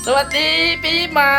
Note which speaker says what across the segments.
Speaker 1: วัสดีปีใหม่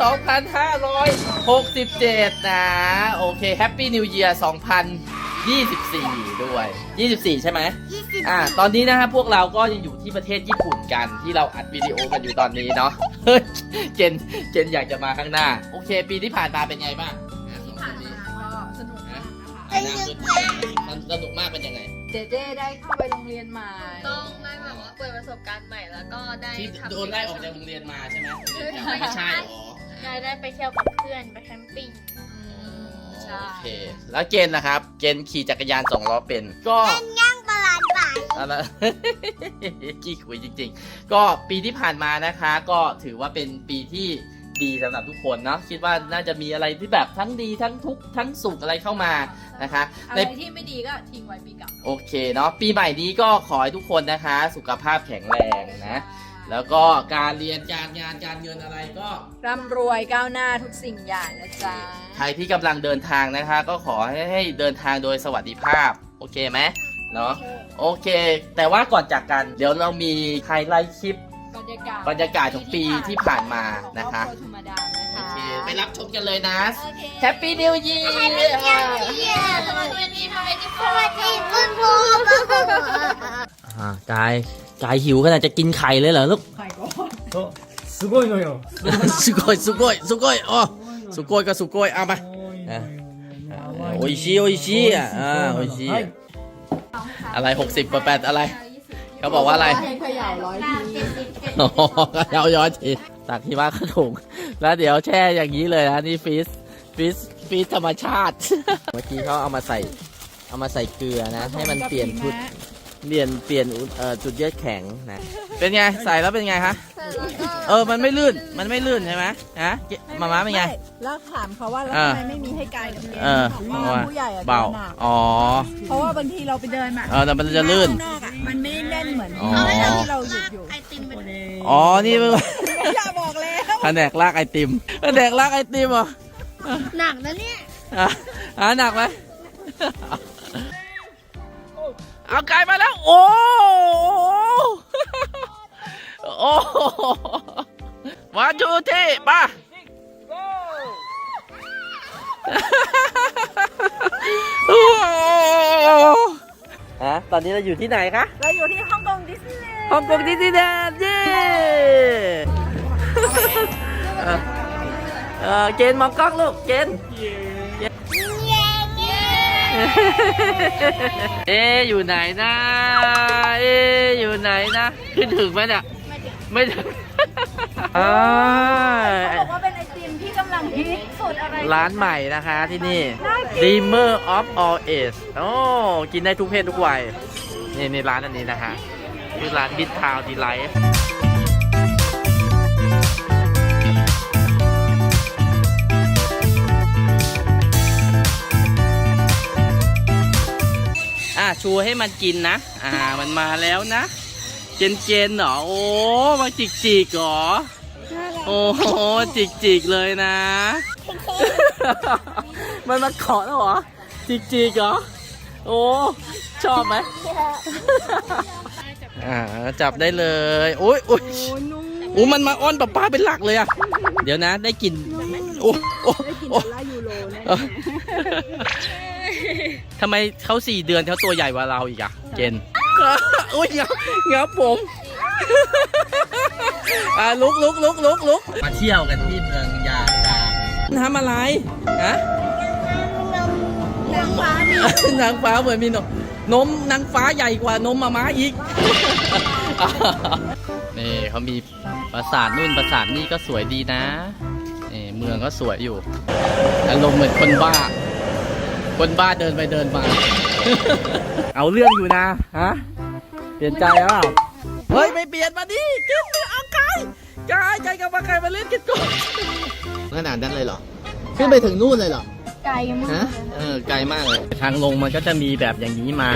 Speaker 1: 2567 นะ โอเคแฮปปี้นิวเยียร์ 2024 ด้วย 24 ใช่ไหมตอนนี้นะครับพวกเราก็ยังอยู่ที่ประเทศญี่ปุ่นกันที่เราอัดวิดีโอกันอยู่ตอนนี้เนาะ เจนอยากจะมาข้างหน้า โอเค ปีที่ผ่านมาเป็นไงบ้าง
Speaker 2: ที่ผ่านมาก็สนุกมากนะคะ
Speaker 1: สนุกมากเป็นยังไง
Speaker 2: เจเจได้เข้าไปโรงเรียนใหม่
Speaker 3: ต้องได้แบบว่าเปิดประสบการณ์ใหม่แล้วก็ได้
Speaker 1: ที่
Speaker 3: ทำ
Speaker 1: โดนไล่ออกจากโรงเรียนมาใช่ไหมไม่ใช่หรอ
Speaker 3: ได้ไปเที่ยวกับเพื่อนไปแคมปิ้ง
Speaker 2: ใช่
Speaker 1: โอเค แล้วเกณฑ์นะครับ เกณฑ์ขี่จักรยาน2 ล้อเป็นก็
Speaker 4: ย่างปลาไหลไป
Speaker 1: อะไร ขี้คุยจริงๆ ก็ปีที่ผ่านมานะคะ ก็ถือว่าเป็นปีที่ดีสำหรับทุกคนเนาะคิดว่าน่าจะมีอะไรที่แบบทั้งดีทั้งทุกข์ทั้งสุขอะไรเข้ามานะคะ
Speaker 2: อะไรที่ไม่ดีก็ทิ้งไว้ปีเก่า
Speaker 1: โอเคเนาะปีใหม่นี้ก็ขอให้ทุกคนนะคะ สุขภาพแข็งแรงนะ แล้วก็การเรียนการงานการเงินอะไรก็
Speaker 2: ร่ำรวยก้าวหน้าทุกสิ่งอย่างนะจ๊ะ
Speaker 1: ใครที่กำลังเดินทางนะคะ ก็ขอให้เดินทางโดยสวัสดิภาพโอเคไหมเนาะโอเค แต่ว่าก่อนจากกันเดี๋ยวเรามีไฮไลท์คลิป บรรยากาศของปีที่ผ่านมานะคะ
Speaker 2: ธรรมดานะคะ
Speaker 1: โอเคไปรับชมกันเลยนะ
Speaker 2: โอเค
Speaker 1: แฮปปี้นิวเยียร์
Speaker 3: สวัสดีค่ะ
Speaker 4: สวัสดีคุณครู
Speaker 1: กายหิวขนาดจะกินไข่เลยเหรอลูก
Speaker 2: ไข่ก่อน
Speaker 5: すごいのよ。
Speaker 1: สุโกยอ๋อสุโกยก็สุโกยเอามาโออิชิอ่ะโออิชิอะไร60/8อะไรเขาบอกว่าอะไร
Speaker 2: ให้เขย่าร้อยที
Speaker 1: อ๋อเอาย้อนทีตักที่ว่าขถุงแล้วเดี๋ยวแช่อย่างนี้เลยนะนี่ฟีสธรรมชาติ เมื่อกี้เขาเอามาใส่เกลือนะ ให้มันเปลี่ยนชุดเปลี่ยนจุดเยือกแข็งนะเป็นไงใส่แล้วเป็นไงคะมันไม่ลื่นใช่ไหมฮะมาม่าเป็นไง
Speaker 2: แล้วถามเขาว่าแล้วทำไมไม่มีให้กายกับเกณฑ์บอกว่าผู้ใหญ่อะ
Speaker 1: เบา
Speaker 2: ดินหนัก
Speaker 1: อ๋อ
Speaker 2: เพราะว่าบางทีเราไปเดินมา
Speaker 1: แต่มันจะลื่น
Speaker 2: ข้างนอกอะมันไม่ได้แน่นเหมือน
Speaker 1: อ๋อ
Speaker 2: ที่เราหยุดอยู่
Speaker 3: ไอติมเป็น
Speaker 1: อ๋อนี่เป็น
Speaker 2: อย่าบอกแล้ว
Speaker 1: แผนกลากไอติมเหรอ
Speaker 3: หนักนะเนี่ย
Speaker 1: หนักไหมเอาไก่มาแล้ว โอ้วันทูที่ป่ะตอนนี้เราอยู่ที่ไหนคะ
Speaker 2: เราอยู่ที่ฮ่องกงดิสนีย์แลนด์
Speaker 1: ฮ่องกงดิสนีย์แลนด์เย้เกณฑ์มองกล้องลูกเกณฑ์อยู่ไหนนะอยู่ไหนนะขึ้นถึงไหมเนี่ยไม่ถึง
Speaker 2: บอกว่าเป็นไอติมที่กำลังฮิตสุดอะไร
Speaker 1: ร้านใหม่นะคะที่นี่ Dreamer of All Age โอ้กินได้ทุกเพศทุกวัยนี่ร้านอันนี้นะคะคือร้าน Big Town Delight ชูให้มันกินนะมันมาแล้วนะเจนเหรอโอ้มาจิกเหรอโอ้โหจิกเลยนะ มันมาเกาะแล้วเหรอจิกเหรอโอ้ชอบไหมจับได้เลยโอ้ยมันมาอ้อนป้าเป็นหลักเลยอะเดี๋ยวนะได้กิน
Speaker 2: ได้กินดอลลาร์ยูโรแน่
Speaker 1: ทำไมเขา4 เดือนเขาตัวใหญ่กว่าเราอีกอะเจนอุ้ยเงาผมลุกมาเที่ยวกันที่เมืองยาตาทำอะไรฮะนางฟ้าเหมือนมีนมนางฟ้าใหญ่กว่านมมาม้าอีกนี่เขามีปราสาทนู่นปราสาทนี่ก็สวยดีนะนี่เมืองก็สวยอยู่อารมณ์เหมือนคนบ้าเดินไปเดินมา เอาเรื่องอยู่นะฮะเปลี่ยนใจแล้วเฮ้ยไม่เปลี่ยนมาดิเก็บเอาไก่กับมาไก่มาเล่นกันก่อนขนาดนั้นเลยเหรอขึ้นไปถึงนู่นเลยเหรอ
Speaker 2: ไกลมาก
Speaker 1: ฮะไกลมากเลยทางลงมันก็จะมีแบบอย่างนี้มา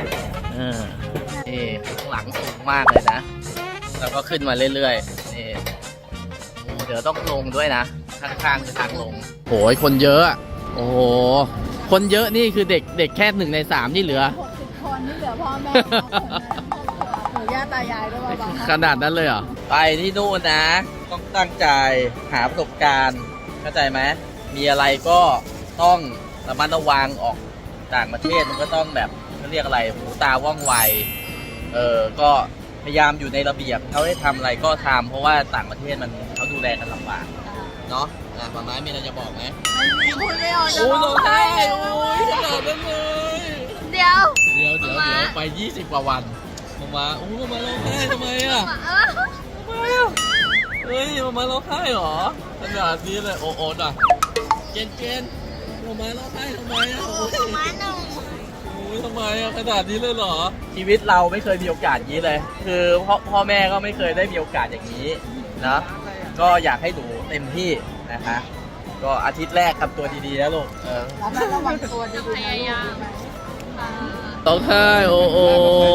Speaker 1: ข้างหลังสูงมากเลยนะแล้วก็ขึ้นมาเรื่อยๆนี่เดี๋ยวต้องลงด้วยนะข้างๆคือทางลงโหยคนเยอะโอ้โหคนเยอะนี่คือเด็กแค่1 ใน 3ที่เหลือ
Speaker 2: 60 คนนี่เหลือพ่อแม่ปู่ย่าตายายก็เบาๆ
Speaker 1: ขนาดนั้นเลยเหรอ ไปที่นู่นนะ ต้องตั้งใจหาประสบการณ์ เข้าใจไหม มีอะไรก็ต้องระมัดระวังออกต่างประเทศมันก็ต้องแบบเขาเรียกอะไรหูตาว่องไว ก็พยายามอยู่ในระเบียบเขาให้ทำอะไรก็ทำเพราะว่าต่างประเทศมันเขาดูแลกันลำบากเนาะฝั่งนั้นมีอะไรจะบอกไหม
Speaker 2: พูดไม่ออกจะ
Speaker 1: โอ้ย
Speaker 2: ร้
Speaker 1: ร้
Speaker 2: อ
Speaker 1: อง ง
Speaker 2: ไห้
Speaker 1: ไห้โอ้ยขนาดนั้นเลย
Speaker 3: เดี๋ยว
Speaker 1: เดี๋ยวไป20 กว่าวันมาโอ้ยมาร้องไห้ทำไมอ่ะทำไมอ่ะเฮ้ยมาร้องไห้เหรอขนาดนี้เลยโอ้โอ้น่ะเกณฑ์มาร้องไห้ทำไมอ่ะโอ้ยทำไมอ่ะขนาดนี้เลยเหรอ ชีวิตเราไม่เคยมีโอกาสอย่างนี้เลย คือพ่อแม่ก็ไม่เคยได้มีโอกาสอย่างนี้นะก็อยากให้หนูเต็มที่นะคะ ก็อาทิตย์แรกทำตัวดีๆนะลูก
Speaker 2: ระวังตัวดี
Speaker 3: พยายาม
Speaker 1: ต้องไห้โอ้โอ้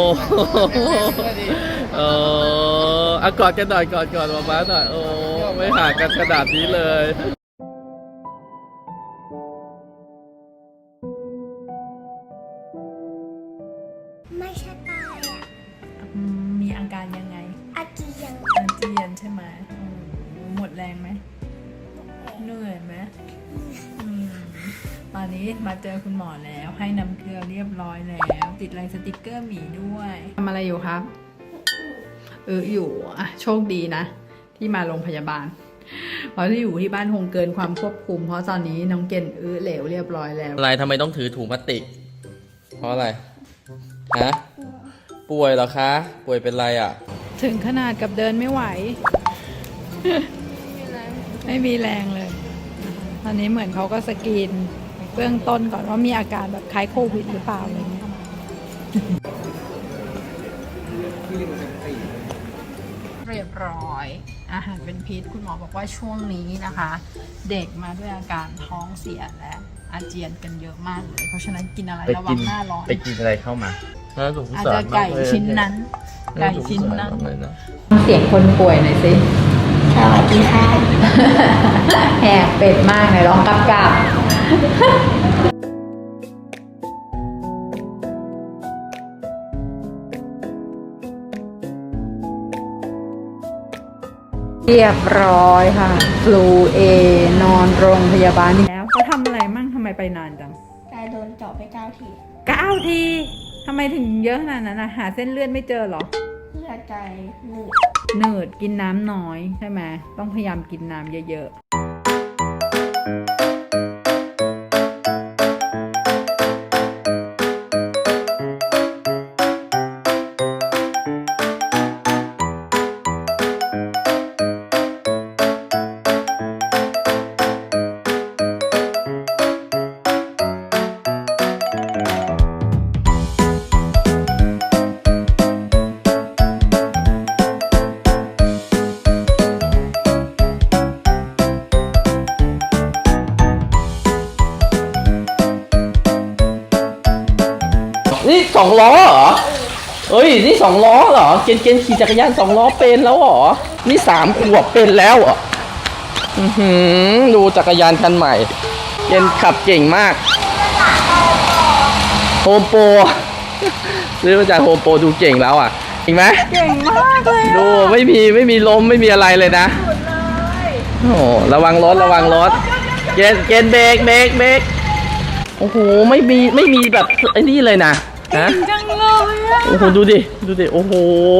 Speaker 1: กอดกันหน่อยกอดมาหน่อยโอ้ไม่ห่างกันขนาดนี้เลย
Speaker 4: ไม่ใช่ตายอ่ะ
Speaker 2: มีอาการยังไง
Speaker 4: อาเจียน
Speaker 2: อาเจียนใช่ไหมหมดแรงไหมเหนื่อยไหมตอนนี้มาเจอคุณหมอแล้วให้น้ำเกลือเรียบร้อยแล้วติดลายสติกเกอร์หมีด้วยทำอะไรอยู่ครับอยู่อ่ะโชคดีนะ ที่มาโรงพยาบาลเพราะที่อยู่ที่บ้านคงเกินความควบคุมเพราะตอนนี้น้องเกณฑ์เหลวเรียบร้อยแล้ว
Speaker 1: อะไรทำไมต้องถือถุงพลาสติก เพราะอะไรฮะป่วยเหรอคะ ป่วยเป็นไรอ่ะ
Speaker 2: ถึงขนาดกับเดินไม่ไหว ไม่มีแรงเลย ตอนนี้เหมือนเขาก็สกรีนเบื้องต้นก่อนว่ามีอาการแบบคล้ายโควิดหรือเปล่าอะไรเงี้ยเรียบร้อย อาหารเป็นพิษคุณหมอบอกว่าช่วงนี้นะคะ เด็กมาด้วยอาการท้องเสียและอาเจียนกันเยอะมากเลยเพราะฉะนั้นกินอะไรระวังหน้าร้อน
Speaker 1: ไปกินอะไรเข้ามา
Speaker 2: อาจจะไก่ชิ้นนั้น ไก่ชิ้นนั้น
Speaker 1: เลยนะ
Speaker 2: เสียงคนป่วยหน่อยสิ
Speaker 4: สวัสดีค่ะ
Speaker 2: แหกเป็ดมากเลยร้องกับเรียบร้อยค่ะฟลูนอนโรงพยาบาลแล้วเขาทำอะไรมั่งทำไมไปนานจัง
Speaker 4: กายโดนเจาะไป9 ที
Speaker 2: 9 ทีทำไมถึงเยอะขนาดนั้นนะหาเส้นเลือดไม่เจอเหรอ
Speaker 4: เลือดใจหนืด
Speaker 2: เนิร์ดกินน้ำน้อยใช่ไหมต้องพยายามกินน้ำเยอะ
Speaker 1: นี่2 ล้อเหรอ เอ้ย นี่2 ล้อเหรอ เกณฑ์ขี่จักรยาน2 ล้อเป็นแล้วเหรอ นี่3 ขวบเป็นแล้วเหรอดูจักรยานคันใหม่ เกณฑ์ขับเก่งมาก โฮมโปรซื้อมาจากโฮมโปรดูเก่งแล้วอ่ะจริงไหม
Speaker 2: เก่งมากเลย
Speaker 1: ดูไม่มีล้มไม่มีอะไรเลยนะโอ้ระวังรถเกณฑ์เบรกโอ้โหไม่มีแบบไอ้นี่เลยนะฮะ
Speaker 2: จังเลยอะ
Speaker 1: โอ้โหดูดิโอ้โห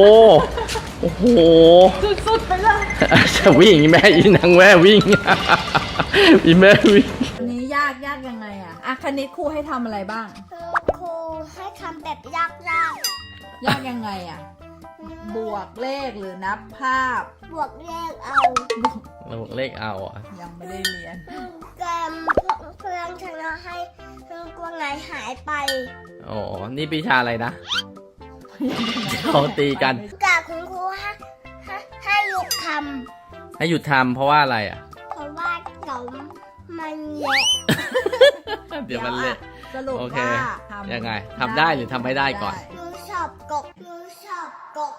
Speaker 2: สุดๆไปเลย
Speaker 1: จะวิ่งแม่อีนางแม่วิ่งอีแม่วิ่ง
Speaker 2: อันนี้ยากยังไงอะคณิตครูให้ทำอะไรบ้าง
Speaker 4: ครูให้ทำแบบยาก
Speaker 2: ยากยังไงอะบวกเลขหรือนับภาพ
Speaker 4: ๆบวกเลขเอา
Speaker 1: เราเลขเอาอ่ะ
Speaker 2: ยังไม่ได้เรียน
Speaker 4: เกมเพื่อนชนะให้กวางไหนหายไป
Speaker 1: อ๋อนี่ปีชาอะไรนะเขาตีกัน
Speaker 4: กับคุณครูให้หยุดท
Speaker 1: ให้หยุดทำเพราะว่าอะไรอ่ะ
Speaker 4: ำเพราะว่าเดี๋ยวมันเละ
Speaker 1: เดี๋ยวมันเละ
Speaker 2: สรุป
Speaker 1: โอเค
Speaker 2: ว่าทำ
Speaker 1: ยังไงทำได้หรือทำไม่ได้ก่อน
Speaker 4: หนูชอบกบหนูชอบกบ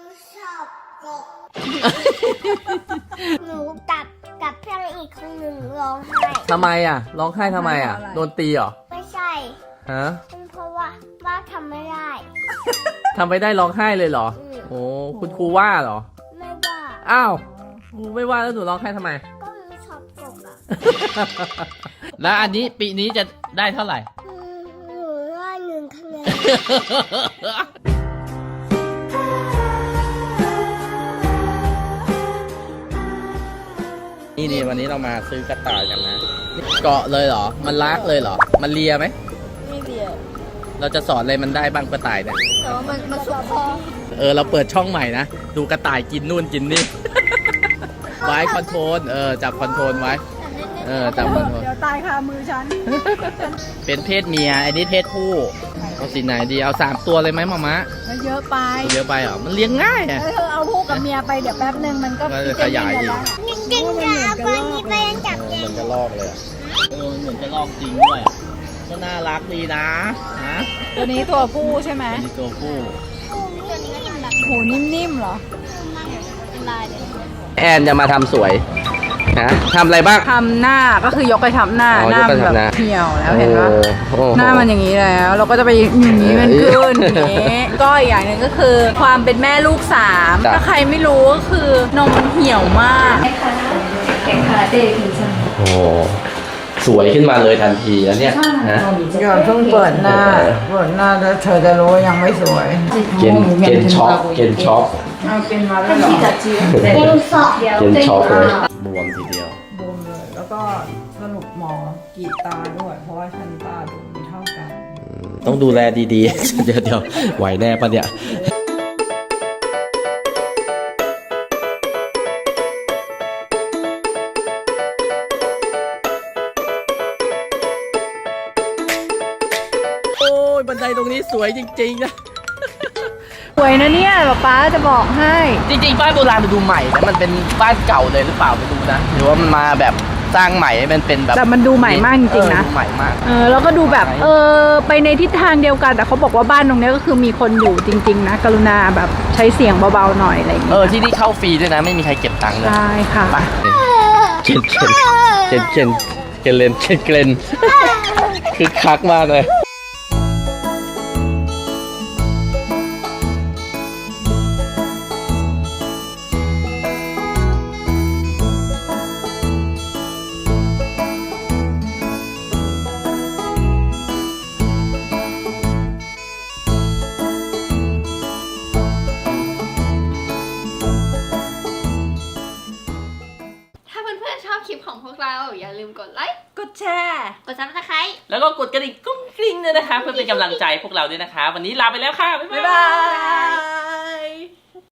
Speaker 4: หนูกับเพื่อนอีกคนหนึ่งร้องไห้
Speaker 1: ทำไมอ่ะร้องไห้ทำไมอ่ะโดนตีเหรอ
Speaker 4: ไม่ใช่
Speaker 1: ฮะ
Speaker 4: เป็นเพราะว่าทำไม่ได้
Speaker 1: ทำไม่ได้ร้องไห้เลยเหรอ โอ้คุณครูว่าเหรอ
Speaker 4: ไม่ว่า
Speaker 1: อ้าวครูไม่ว่าแล้วหนูร้องไห้ทำไม
Speaker 4: ก็หนูชอบกบอ่ะ
Speaker 1: แล้วอันนี้ปีนี้จะได้เท่าไหร่
Speaker 4: หนูได้1 คะแนน
Speaker 1: นี่วันนี้เรามาซื้อกระต่ายกันนะ เกาะเลยเหรอ มันลากเลยเหรอ มันเลียไหม
Speaker 3: ไม่เบียร์
Speaker 1: เราจะสอนอะไรมันได้บ้างกระต่ายเนี่ย
Speaker 3: แต่ว่ามันสุกคอ
Speaker 1: เราเปิดช่องใหม่นะ ดูกระต่ายกินนู่นกินนี่ ไว้คอนโทรล จับคอนโทรลไว้ จับคอนโทรล
Speaker 2: เดี๋ยวตายคามือฉัน
Speaker 1: เป็นเพศเมีย อันนี้เพศผู้ เอาสีไหนดี เอา3 ตัวเลยไหมมามะ
Speaker 2: แล้วเยอะไป
Speaker 1: เยอะไปเหรอ มันเลี้ยงง่ายอ่ะ
Speaker 2: เธอเอาคู่กับเมียไปเดี๋ยวแป๊บนึงมันก็
Speaker 1: ก็จะขยายอีก
Speaker 4: จริงๆจะเอาตัวนี้ไปจับ
Speaker 1: เห
Speaker 4: เอง
Speaker 1: มือนกระลอกเลยอะมันเหมือนกระลอกจริงด้วยอะก็น่ารักดีนะฮะ
Speaker 2: ตัวนี้ตัวผู้ใช่ไหม
Speaker 1: อันนี้ตัวผู้
Speaker 2: โหนิ่มๆเหรอ
Speaker 1: แอนจะมาทำสวยนะทำอะไรบ้าง
Speaker 2: ทำหน้าก็คือยกไปทำหน้า
Speaker 1: อ๋อ
Speaker 2: หน้าย
Speaker 1: กไป
Speaker 2: มัน
Speaker 1: ทำห
Speaker 2: แบ
Speaker 1: น้า
Speaker 2: บเหี่ยวแล้วเห็นปะ
Speaker 1: โอ้โ
Speaker 2: หน้ามันอย่างนี้แล้ว เราก็จะไปอย่างนี้มันขึ้นอย่างนี้ก็อีกอย่างหนึ่งก็คือความเป็นแม่ลูก3ถ้าใครไม่รู้ก็คือนมมันเหี่ยวมากแข่งคาราเต้ทีใช่ไหม
Speaker 1: โอ้สวยขึ้นมาเลยทันทีแล้วเนี่ยนะ
Speaker 2: ก่อนเพิ่งเปิดหน้าแล้วเธอจะรู้ว่ายังไม่สวย
Speaker 1: เกณฑ์ช็อกเกณฑ์ช็อก
Speaker 2: เอาเป็นมาแล้วเหรอ
Speaker 4: เป็นสอบ
Speaker 1: เกณฑ์ช็อกเลยบวมทีเดียว
Speaker 2: บวมเลย แล้วก็สรุปหมอกรีดตาด้วย เพราะว่าฉันตาดูไม่เท่ากัน
Speaker 1: ต้องดูแลดีๆ เดี๋ยวไหวแน่ปะเนี่ย โอ้ยบันไดตรงนี้สวยจริงๆนะ
Speaker 2: สวยนะเนี่ยป๊าจะบอกให้
Speaker 1: จริงๆบ้านโบราณมันดูใหม่นะมันเป็นบ้านเก่าเลยหรือเปล่าไม่รู้นะหรือว่ามันมาแบบสร้างใหม่ให้มันเป็นแบบ
Speaker 2: แต่มันดูใหม่มากจริงๆนะ
Speaker 1: ดูใหม่มาก
Speaker 2: แล้วก็ดูแบบไปในทิศทางเดียวกัน แต่เขาบอกว่าบ้านตรงเนี้ยก็คือมีคนอยู่จริง ๆ นะ กรุณาแบบใช้เสียงเบาๆหน่อยอะไรอย่างเงี้ย
Speaker 1: ที่นี่เข้าฟรีด้วยนะไม่มีใครเก็บตังค์เลย
Speaker 2: ใช่ค่ะ
Speaker 1: ไปเกนคือคักมากเลย
Speaker 3: ถ้าเพื่อนๆชอบคลิปของพวกเราอย่าลืมกดไลค์
Speaker 2: กดแชร์
Speaker 3: กดซับสไครต์
Speaker 5: แล้วก็กดกระดิ่งกุ้งกริ้งด้วยนะคะ เพื่อเป็นกำลังใจพวกเราด้วยนะคะ วันนี้ลาไปแล้วค่ะ บ๊าย
Speaker 2: บ๊าย
Speaker 5: บา
Speaker 2: บาย ย